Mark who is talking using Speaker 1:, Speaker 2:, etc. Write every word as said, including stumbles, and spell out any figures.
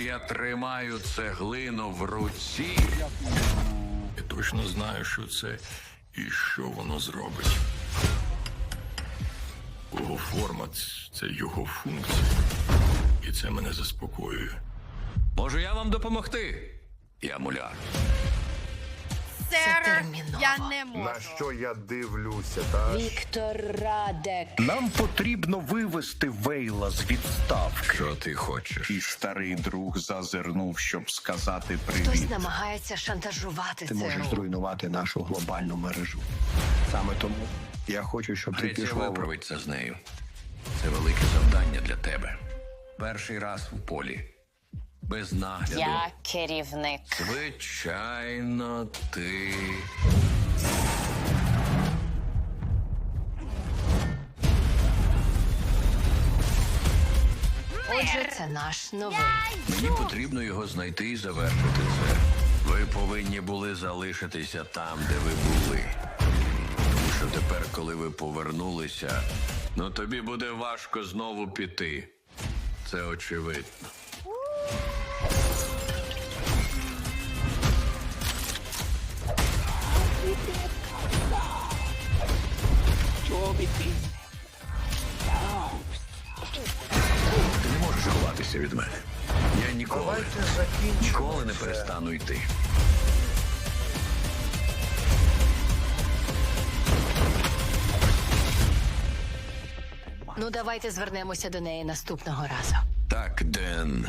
Speaker 1: Я тримаю цеглину в руці.
Speaker 2: Я точно знаю, що це і що воно зробить. Його форма — це його функція. І це мене заспокоює.
Speaker 1: Можу я вам допомогти? Я муляр.
Speaker 3: Сер,
Speaker 4: терміново.
Speaker 3: я не можу.
Speaker 5: На що я дивлюся, та?
Speaker 4: Віктор Радек.
Speaker 6: Нам потрібно вивести Вейла з відставки.
Speaker 1: Що ти хочеш?
Speaker 6: І старий друг зазирнув, щоб сказати
Speaker 4: Хтось
Speaker 6: привіт.
Speaker 4: намагається шантажувати
Speaker 7: Ти можеш
Speaker 4: ЦРУ.
Speaker 7: зруйнувати нашу глобальну мережу. Саме тому я хочу, щоб ти
Speaker 1: Греція
Speaker 7: пішов.
Speaker 1: виправить це з нею. Це велике завдання для тебе. Перший раз в полі. Без нагляду.
Speaker 4: Я керівник.
Speaker 1: Звичайно, ти.
Speaker 4: Отже, це наш новий.
Speaker 1: Мені потрібно його знайти і завершити це. Ви повинні були залишитися там, де ви були. Тому що тепер, коли ви повернулися, ну тобі буде важко знову піти. Це очевидно. Ти не можеш ховатися від мене. Я ніколи,
Speaker 5: Давайте закінчимо
Speaker 1: ніколи не
Speaker 5: це.
Speaker 1: перестану йти.
Speaker 4: Ну, давайте звернемося до неї наступного разу.
Speaker 1: Так, Ден.